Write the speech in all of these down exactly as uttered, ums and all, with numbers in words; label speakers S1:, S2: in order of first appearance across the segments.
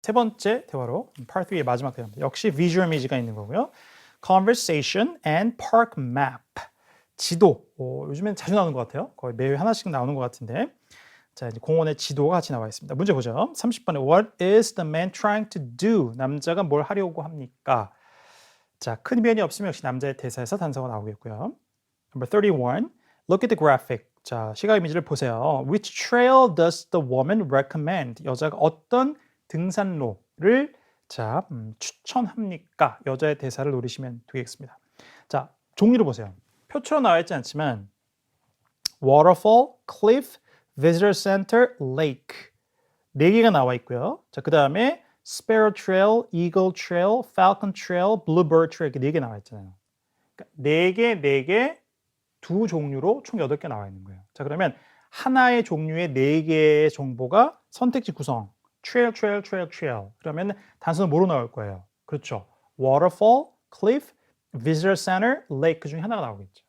S1: 세 번째 대화로 Part three의 마지막 대화입니다. 역시 visual image가 있는 거고요. Conversation and park map. 지도. 어, 요즘엔 자주 나오는 것 같아요. 거의 매일 하나씩 나오는 것 같은데. 자, 이제 공원의 지도가 같이 나와 있습니다. 문제 보죠. 삼십 번에 What is the man trying to do? 남자가 뭘 하려고 합니까? 자, 큰 변이 없으면 역시 남자의 대사에서 단서가 나오겠고요. Number thirty-one. Look at the graphic. 자, 시각 이미지를 보세요. Which trail does the woman recommend? 여자가 어떤 등산로를 자, 음, 추천합니까? 여자의 대사를 노리시면 되겠습니다. 자, 종류를 보세요. 표처럼 나와 있지 않지만 waterfall, cliff, visitor center, lake 네 개가 나와 있고요. 자, 그 다음에 sparrow trail, eagle trail, falcon trail, bluebird trail 이렇게 네 개 나와 있잖아요. 그러니까 네 개, 네 개, 두 종류로 총 여덟 개 나와 있는 거예요. 자, 그러면 하나의 종류의 네 개의 정보가 선택지 구성 trail, trail, trail, trail 그러면 단서는 뭐로 나올 거예요? 그렇죠. waterfall, cliff, visitor center, lake 그 중에 하나가 나오겠죠.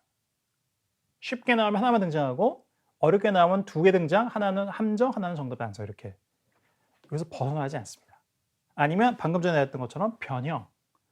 S1: 쉽게 나오면 하나만 등장하고 어렵게 나오면 두 개 등장, 하나는 함정, 하나는 정답 단서 이렇게. 여기서 벗어나지 않습니다. 아니면 방금 전에 했던 것처럼 변형.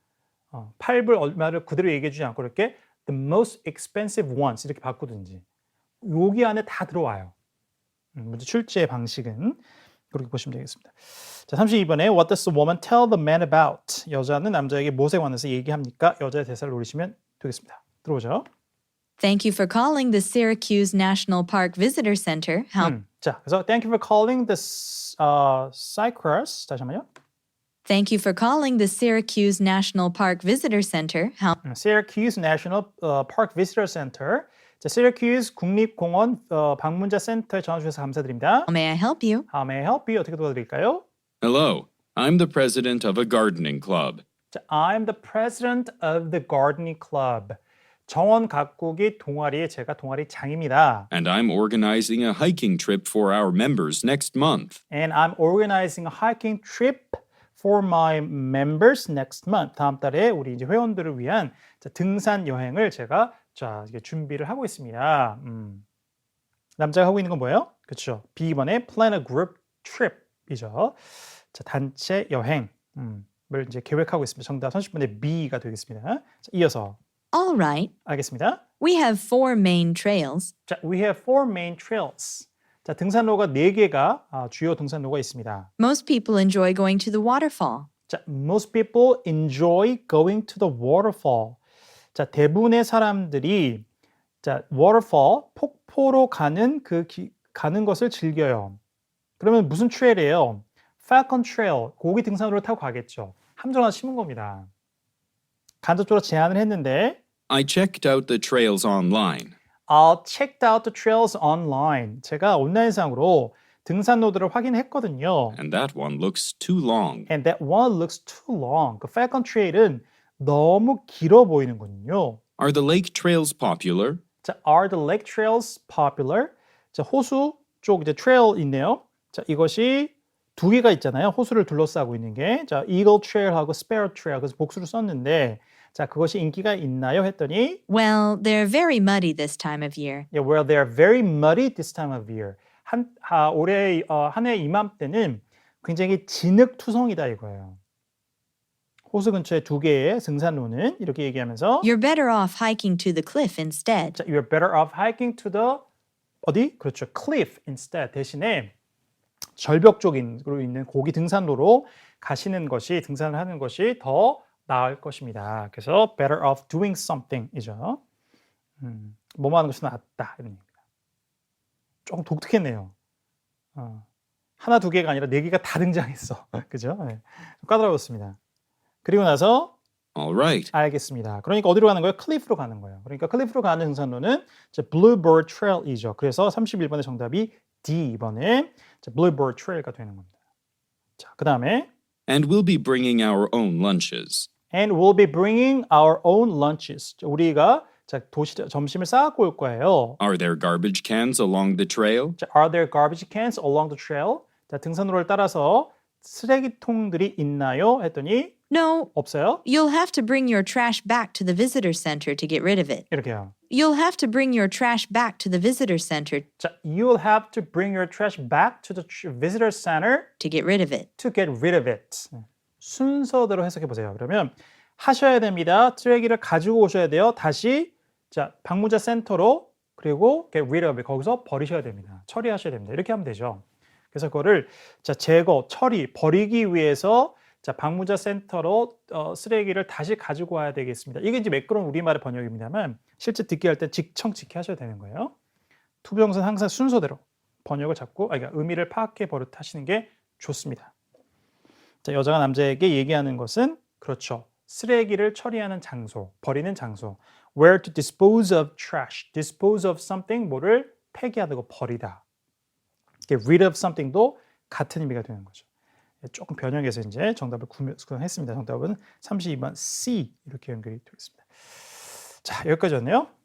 S1: 어, 팔 불 얼마를 그대로 얘기해 주지 않고 이렇게 the most expensive ones 이렇게 바꾸든지 여기 안에 다 들어와요. 음, 문제 출제의 방식은 그렇게 보시면 되겠습니다. 자, 삼십이 번에 What does the woman tell the man about? 여자는 남자에게 무엇에 관해서 얘기합니까? 여자의 대사를 노리시면 되겠습니다. 들어오죠.
S2: Thank you for calling the Syracuse National Park Visitor Center. How
S1: 음, 자, 그래서 Thank you for calling the uh, Cyprus. 다시 한번요.
S2: Thank you for calling the Syracuse National Park Visitor Center. How
S1: Syracuse National uh, Park Visitor Center. 자, Syracuse 국립공원 어, 방문자 센터에 전화 주셔서 감사드립니다.
S2: may I help you?
S1: How may I help you? 어떻게 도와드릴까요?
S3: Hello, I'm the president of a gardening club.
S1: 자, I'm the president of the gardening club. 정원 가꾸기 동아리의 제가 동아리 장입니다.
S3: And I'm organizing a hiking trip for our members next month.
S1: And I'm organizing a hiking trip for my members next month. 다음 달에 우리 이제 회원들을 위한 자, 등산 여행을 제가 자, 이게 준비를 하고 있습니다. 음. 남자가 하고 있는 건 뭐예요? 그렇죠. 비 번에 plan a group trip이죠. 자, 단체 여행을 음, 이제 계획하고 있습니다. 정답 삼십 번에 B가 되겠습니다. 자, 이어서
S2: All right.
S1: 알겠습니다.
S2: We have four main trails.
S1: 자, we have four main trails. 자, 등산로가 네 개가 아, 주요 등산로가 있습니다.
S2: Most people enjoy going to the waterfall.
S1: 자, most people enjoy going to the waterfall. 자, 대부분의 사람들이 자, waterfall, 폭포로 가는 그 기, 가는 것을 즐겨요. 그러면 무슨 트레일이에요? Falcon Trail, 고기 등산로를 타고 가겠죠. 함정 하나 심은 겁니다. 간접적으로 제안을 했는데
S3: I checked out the trails online.
S1: I checked out the trails online. 제가 온라인상으로 등산로들을 확인했거든요.
S3: And that one looks too long.
S1: And that one looks too long. 그 Falcon Trail은 너무 길어 보이는군요.
S3: Are the lake trails popular?
S1: 자, are the lake trails popular? 자, 호수 쪽 이제 trail 있네요. 자, 이것이 두 개가 있잖아요. 호수를 둘러싸고 있는 게. 자, Eagle Trail하고 Sparrow Trail. 그래서 복수를 썼는데 자, 그것이 인기가 있나요? 했더니
S2: Well, they're very muddy this time of year.
S1: yeah, well, they're very muddy this time of year. 한 아, 올해 어, 한 해 이맘때는 굉장히 진흙투성이다 이거예요. 호수 근처에 두 개의 등산로는 이렇게 얘기하면서
S2: You're better off hiking to the cliff instead.
S1: 자, you're better off hiking to the 어디? 그렇죠. cliff instead. 대신에 절벽 쪽으로 있는 고기 등산로로 가시는 것이 등산을 하는 것이 더 나을 것입니다. 그래서 better off doing something이죠. 음, 뭐뭐 하는 것이 낫다 이런 얘기입니다. 조금 독특했네요. 어, 하나 두 개가 아니라 네 개가 다 등장했어. 그죠? 네. 까다로웠습니다. 그리고 나서
S3: All right.
S1: 알겠습니다. 그러니까 어디로 가는 거예요? 클리프로 가는 거예요. 그러니까 클리프로 가는 등산로는 Bluebird Trail이죠. 그래서 삼십일 번의 정답이 D 이번에 Bluebird Trail가 되는 겁니다. 자, 그 다음에
S3: And we'll be bringing our own lunches.
S1: And we'll be bringing our own lunches. 우리가 자, 도시 점심을 싸갖고 올 거예요.
S3: Are there garbage cans along the trail?
S1: 자, Are there garbage cans along the trail? 자, 등산로를 따라서 쓰레기통들이 있나요? 했더니
S2: No,
S1: 없어요.
S2: you'll have to bring your trash back to the visitor center to get rid of it.
S1: 이렇게요.
S2: You'll have to bring your trash back to the visitor center
S1: 자, you'll have to bring your trash back to the tr- visitor center
S2: to get rid of it.
S1: to get rid of it. 순서대로 해석해 보세요. 그러면 하셔야 됩니다. 쓰레기를 가지고 오셔야 돼요. 다시 자, 방문자 센터로 그리고 get rid of it 거기서 버리셔야 됩니다. 처리하셔야 됩니다. 이렇게 하면 되죠. 그래서 그거를 자, 제거, 처리, 버리기 위해서 자, 방문자 센터로 어, 쓰레기를 다시 가지고 와야 되겠습니다. 이게 이제 매끄러운 우리말의 번역입니다만 실제 듣기 할 때 직청직해 하셔야 되는 거예요. 투부정사는 항상 순서대로 번역을 잡고 아, 그러니까 의미를 파악해 버릇하시는 게 좋습니다. 자, 여자가 남자에게 얘기하는 것은 그렇죠. 쓰레기를 처리하는 장소, 버리는 장소. Where to dispose of trash. Dispose of something, 뭐를 폐기하다, 버리다. get rid of something도 같은 의미가 되는 거죠. 조금 변형해서 이제 정답을 구현했습니다. 정답은 삼십이 번 C 이렇게 연결이 되겠습니다. 자, 여기까지였네요.